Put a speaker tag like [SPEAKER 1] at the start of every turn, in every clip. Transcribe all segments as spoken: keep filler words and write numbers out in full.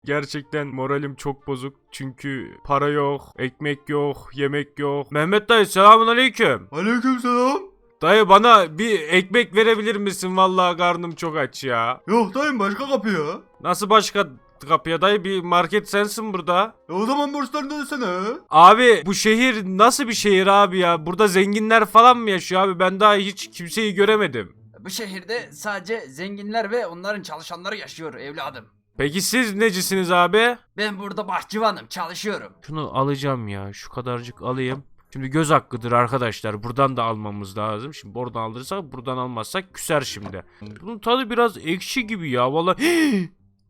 [SPEAKER 1] Gerçekten moralim çok bozuk. Çünkü para yok, ekmek yok, yemek yok. Mehmet dayı selamünaleyküm.
[SPEAKER 2] Aleykümselam.
[SPEAKER 1] Dayı bana bir ekmek verebilir misin? Vallahi karnım çok aç ya.
[SPEAKER 2] Yok dayım başka kapı ya.
[SPEAKER 1] Nasıl başka kapıya dayı? Bir market sensin burada.
[SPEAKER 2] E o zaman borçlarını ödesene.
[SPEAKER 1] Abi bu şehir nasıl bir şehir abi ya? Burada zenginler falan mı yaşıyor abi? Ben daha hiç kimseyi göremedim.
[SPEAKER 3] Bu şehirde sadece zenginler ve onların çalışanları yaşıyor evladım.
[SPEAKER 1] Peki siz necisiniz abi?
[SPEAKER 3] Ben burada bahçıvanım, çalışıyorum.
[SPEAKER 1] Şunu alacağım ya. Şu kadarcık alayım. Şimdi göz hakkıdır arkadaşlar. Buradan da almamız lazım. Şimdi oradan alırsak, buradan almazsak küser şimdi. Bunun tadı biraz ekşi gibi ya. Vallahi.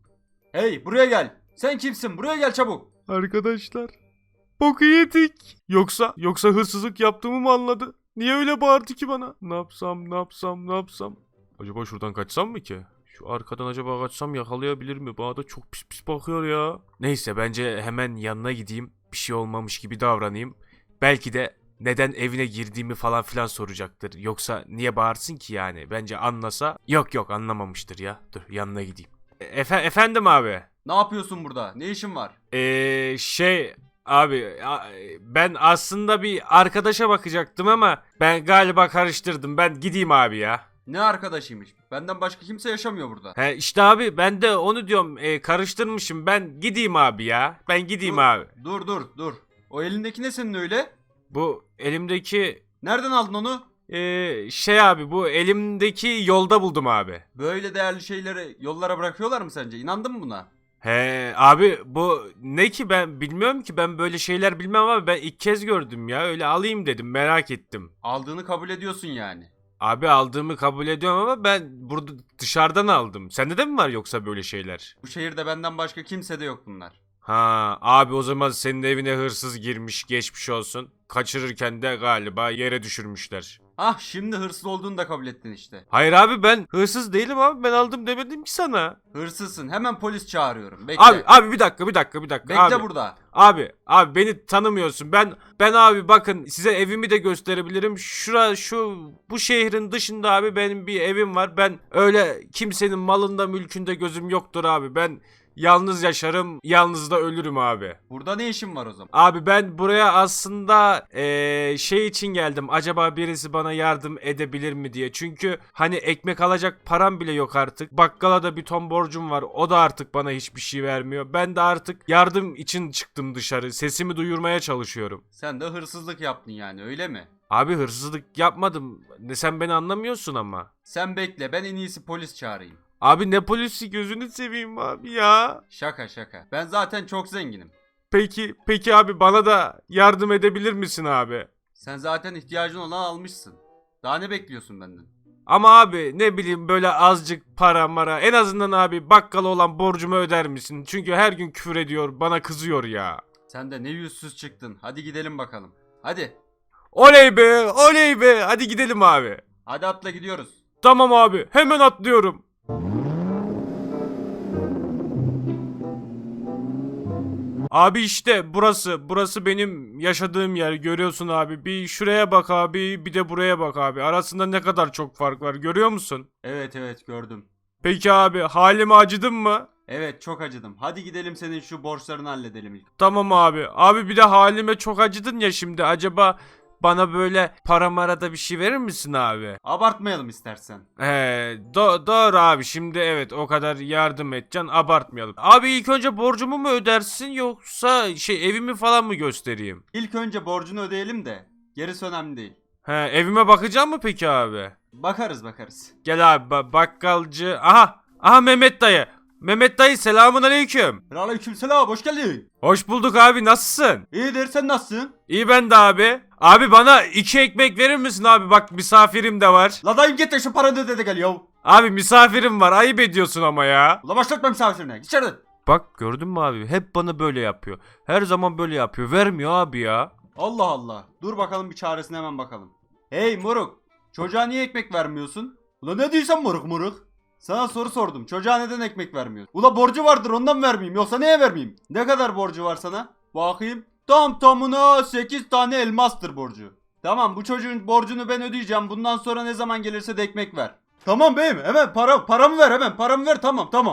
[SPEAKER 2] Hey buraya gel. Sen kimsin? Buraya gel çabuk.
[SPEAKER 1] Arkadaşlar. Boku yedik. Yoksa yoksa hırsızlık yaptığımı mı anladı? Niye öyle bağırdı ki bana? Ne yapsam, ne yapsam, ne yapsam? Acaba şuradan kaçsam mı ki? Şu arkadan acaba kaçsam yakalayabilir mi? Bana da çok pis pis bakıyor ya. Neyse bence hemen yanına gideyim. Bir şey olmamış gibi davranayım. Belki de neden evine girdiğimi falan filan soracaktır. Yoksa niye bağırsın ki yani? Bence anlasa. Yok yok anlamamıştır ya. Dur yanına gideyim. E- efe- efendim abi.
[SPEAKER 2] Ne yapıyorsun burada? Ne işin var?
[SPEAKER 1] Eee şey abi a- ben aslında bir arkadaşa bakacaktım ama ben galiba karıştırdım. Ben gideyim abi ya.
[SPEAKER 2] Ne arkadaşıymış? Benden başka kimse yaşamıyor burada.
[SPEAKER 1] He işte abi ben de onu diyorum e, karıştırmışım. Ben gideyim abi ya. Ben gideyim
[SPEAKER 2] Dur.
[SPEAKER 1] abi.
[SPEAKER 2] Dur dur dur. O elindeki ne senin öyle?
[SPEAKER 1] Bu elimdeki
[SPEAKER 2] Nereden aldın onu?
[SPEAKER 1] e, şey abi bu elimdeki yolda buldum abi.
[SPEAKER 2] Böyle değerli şeyleri yollara bırakıyorlar mı sence? İnandın mı buna?
[SPEAKER 1] He abi bu ne ki ben bilmiyorum ki ben böyle şeyler bilmem abi ben ilk kez gördüm ya öyle alayım dedim merak ettim.
[SPEAKER 2] Aldığını kabul ediyorsun yani.
[SPEAKER 1] Abi aldığımı kabul ediyorum ama ben burada dışarıdan aldım. Sende de mi var yoksa böyle şeyler?
[SPEAKER 2] Bu şehirde benden başka kimse de yok bunlar.
[SPEAKER 1] Ha abi o zaman senin evine hırsız girmiş geçmiş olsun. Kaçırırken de galiba yere düşürmüşler.
[SPEAKER 2] Ah şimdi hırsız olduğunu da kabul ettin işte.
[SPEAKER 1] Hayır abi ben hırsız değilim abi ben aldım demedim ki sana.
[SPEAKER 2] Hırsızsın. Hemen polis çağırıyorum. Bekle.
[SPEAKER 1] Abi abi bir dakika bir dakika bir dakika.
[SPEAKER 2] Bekle
[SPEAKER 1] abi.
[SPEAKER 2] burada.
[SPEAKER 1] Abi abi beni tanımıyorsun. Ben ben abi bakın size evimi de gösterebilirim. Şura şu bu şehrin dışında abi benim bir evim var. Ben öyle kimsenin malında mülkünde gözüm yoktur abi. Ben yalnız yaşarım, yalnız da ölürüm abi.
[SPEAKER 2] Burada ne işin var o zaman?
[SPEAKER 1] Abi ben buraya aslında eee, şey için geldim. Acaba birisi bana yardım edebilir mi diye. Çünkü hani ekmek alacak param bile yok artık. Bakkala da bir ton borcum var. O da artık bana hiçbir şey vermiyor. Ben de artık yardım için çıktım dışarı. Sesimi duyurmaya çalışıyorum.
[SPEAKER 2] Sen de hırsızlık yaptın yani öyle mi?
[SPEAKER 1] Abi hırsızlık yapmadım. Ne sen beni anlamıyorsun ama.
[SPEAKER 2] Sen bekle ben en iyisi polis çağırayım.
[SPEAKER 1] Abi ne polisi gözünü seveyim abi ya.
[SPEAKER 2] Şaka şaka. Ben zaten çok zenginim.
[SPEAKER 1] Peki peki abi bana da yardım edebilir misin abi?
[SPEAKER 2] Sen zaten ihtiyacın olan almışsın. Daha ne bekliyorsun benden?
[SPEAKER 1] Ama abi ne bileyim böyle azıcık para mara en azından abi bakkala olan borcumu öder misin? Çünkü her gün küfür ediyor bana kızıyor ya.
[SPEAKER 2] Sen de ne yüzsüz çıktın. Hadi gidelim bakalım. Hadi.
[SPEAKER 1] Oley be oley be hadi gidelim abi.
[SPEAKER 2] Hadi atla gidiyoruz.
[SPEAKER 1] Tamam abi hemen atlıyorum. Abi işte burası burası benim yaşadığım yer görüyorsun abi. Bir şuraya bak abi bir de buraya bak abi. Arasında ne kadar çok fark var görüyor musun?
[SPEAKER 2] Evet evet gördüm.
[SPEAKER 1] Peki abi halime acıdın mı?
[SPEAKER 2] Evet çok acıdım. Hadi gidelim senin şu borçlarını halledelim ilk.
[SPEAKER 1] Tamam abi. Abi bir de halime çok acıdın ya şimdi. Acaba bana böyle para marada bir şey verir misin abi?
[SPEAKER 2] Abartmayalım istersen.
[SPEAKER 1] He, do- doğru abi. Şimdi evet o kadar yardım edeceksin. Abartmayalım. Abi ilk önce borcumu mu ödersin yoksa şey evimi falan mı göstereyim?
[SPEAKER 2] İlk önce borcunu ödeyelim de gerisi önemli değil.
[SPEAKER 1] He, evime bakacak mı peki abi?
[SPEAKER 2] Bakarız bakarız.
[SPEAKER 1] Gel abi ba- bakkalcı. Aha. Aha Mehmet dayı. Mehmet dayı selamun aleyküm.
[SPEAKER 2] Aleykümselam hoş geldin.
[SPEAKER 1] Hoş bulduk abi nasılsın?
[SPEAKER 2] İyidir sen nasılsın?
[SPEAKER 1] İyi ben de abi. Abi bana iki ekmek verir misin abi? Bak misafirim de var.
[SPEAKER 2] La dayım git de şu paranı öde de gel yav.
[SPEAKER 1] Abi misafirim var. Ayıp ediyorsun ama ya.
[SPEAKER 2] Ula başlatma misafirine. Git içeriden.
[SPEAKER 1] Bak gördün mü abi? Hep bana böyle yapıyor. Her zaman böyle yapıyor. Vermiyor abi ya.
[SPEAKER 2] Allah Allah. Dur bakalım bir çaresine hemen bakalım. Hey moruk. Çocuğa niye ekmek vermiyorsun? Ula ne diyorsun moruk moruk? Sana soru sordum. Çocuğa neden ekmek vermiyorsun? Ula borcu vardır ondan vermeyeyim. Yoksa neye vermeyeyim? Ne kadar borcu var sana? Bakayım. Tam tamına sekiz tane elmastır borcu. Tamam bu çocuğun borcunu ben ödeyeceğim. Bundan sonra ne zaman gelirse de ekmek ver. Tamam beyim hemen para paramı ver hemen paramı ver tamam tamam.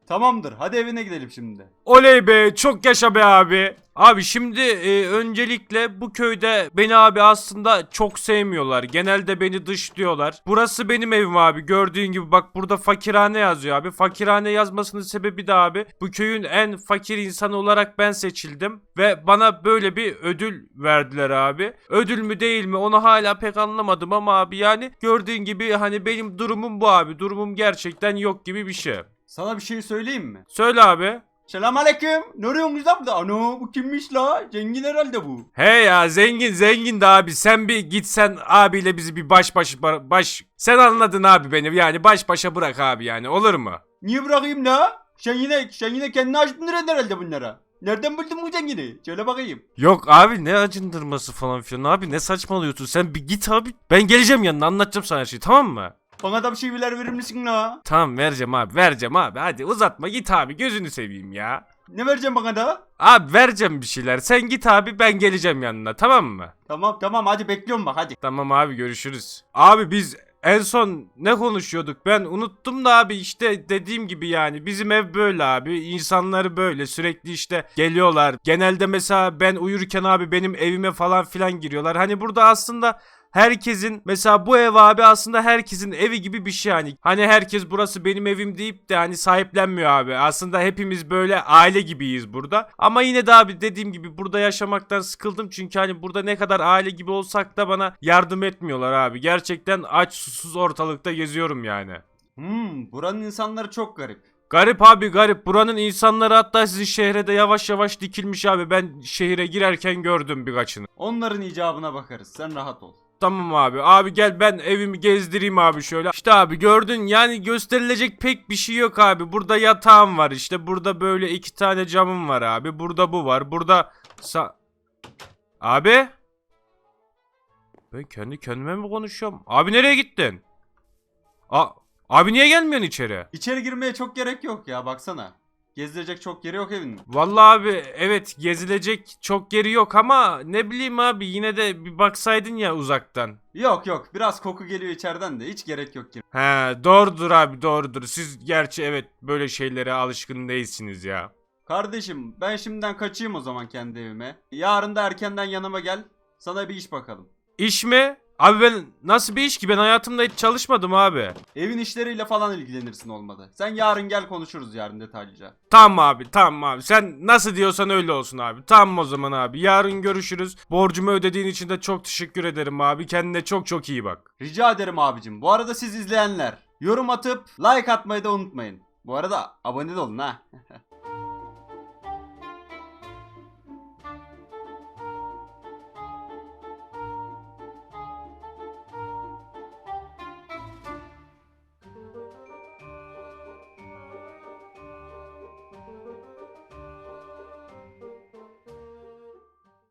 [SPEAKER 2] Tamamdır. Hadi evine gidelim şimdi.
[SPEAKER 1] Oley be, çok yaşa be abi. Abi şimdi e, öncelikle bu köyde beni abi aslında çok sevmiyorlar. Genelde beni dışlıyorlar. Burası benim evim abi. Gördüğün gibi bak burada fakirhane yazıyor abi. Fakirhane yazmasının sebebi de abi bu köyün en fakir insanı olarak ben seçildim. Ve bana böyle bir ödül verdiler abi. Ödül mü değil mi onu hala pek anlamadım ama abi yani gördüğün gibi hani benim durumum bu abi. Durumum gerçekten yok gibi bir şey.
[SPEAKER 2] Sana bir şey söyleyeyim mi?
[SPEAKER 1] Söyle abi.
[SPEAKER 2] Selamünaleyküm. Ne arıyorsunuz lan burada? Ano bu kimmiş la? Zengin herhalde bu.
[SPEAKER 1] He ya zengin zengin de abi sen bir gitsen abiyle bizi bir baş baş baş sen anladın abi beni yani baş başa bırak abi yani olur mu?
[SPEAKER 2] Niye bırakayım la? Sen yine, sen yine kendini acındırın herhalde bunlara. Nereden buldun bu zengini? Söyle bakayım.
[SPEAKER 1] Yok abi ne acındırması falan filan abi ne saçmalıyorsun sen bir git abi ben geleceğim yanına anlatacağım sana her şeyi tamam mı?
[SPEAKER 2] Bana da bir şeyler verir misin la?
[SPEAKER 1] Tamam vereceğim abi vereceğim abi hadi uzatma git abi gözünü seveyim ya.
[SPEAKER 2] Ne vereceğim bana da?
[SPEAKER 1] Abi vereceğim bir şeyler sen git abi ben geleceğim yanına tamam mı?
[SPEAKER 2] Tamam tamam hadi bekliyorum bak hadi.
[SPEAKER 1] Tamam abi görüşürüz. Abi biz en son ne konuşuyorduk ben unuttum da abi işte dediğim gibi yani bizim ev böyle abi insanları böyle sürekli işte geliyorlar. Genelde mesela ben uyurken abi benim evime falan filan giriyorlar. Hani burada aslında herkesin mesela bu ev abi aslında herkesin evi gibi bir şey hani. Hani herkes burası benim evim deyip de hani sahiplenmiyor abi. Aslında hepimiz böyle aile gibiyiz burada. Ama yine de abi dediğim gibi burada yaşamaktan sıkıldım. Çünkü hani burada ne kadar aile gibi olsak da bana yardım etmiyorlar abi. Gerçekten aç susuz ortalıkta geziyorum yani.
[SPEAKER 2] Hmm, buranın insanları çok garip.
[SPEAKER 1] Garip abi garip. Buranın insanları hatta sizin şehre de yavaş yavaş dikilmiş abi. Ben şehire girerken gördüm birkaçını.
[SPEAKER 2] Onların icabına bakarız. Sen rahat ol.
[SPEAKER 1] Tamam abi. Abi gel ben evimi gezdireyim abi şöyle. İşte abi gördün yani gösterilecek pek bir şey yok abi. Burada yatağım var işte. Burada böyle iki tane camım var abi. Burada bu var. Burada sa Abi. Ben kendi kendime mi konuşuyorum? Abi nereye gittin? A Abi niye gelmiyorsun içeri?
[SPEAKER 2] İçeri girmeye çok gerek yok ya baksana. Gezdirecek çok yeri yok evin.
[SPEAKER 1] Vallahi abi evet gezilecek çok yeri yok ama ne bileyim abi yine de bir baksaydın ya uzaktan.
[SPEAKER 2] Yok yok biraz koku geliyor içeriden de hiç gerek yok ki.
[SPEAKER 1] He doğrudur abi doğrudur. Siz gerçi evet böyle şeylere alışkın değilsiniz ya.
[SPEAKER 2] Kardeşim ben şimdiden kaçayım o zaman kendi evime. Yarın da erkenden yanıma gel. Sana bir iş bakalım.
[SPEAKER 1] İş mi? Abi ben nasıl bir iş ki ben hayatımda hiç çalışmadım abi.
[SPEAKER 2] Evin işleriyle falan ilgilenirsin olmadı. Sen yarın gel konuşuruz yarın detaylıca.
[SPEAKER 1] Tamam abi tamam abi sen nasıl diyorsan öyle olsun abi. Tamam o zaman abi yarın görüşürüz. Borcumu ödediğin için de çok teşekkür ederim abi. Kendine çok çok iyi bak.
[SPEAKER 2] Rica ederim abicim. Bu arada siz izleyenler yorum atıp like atmayı da unutmayın. Bu arada abone de olun ha.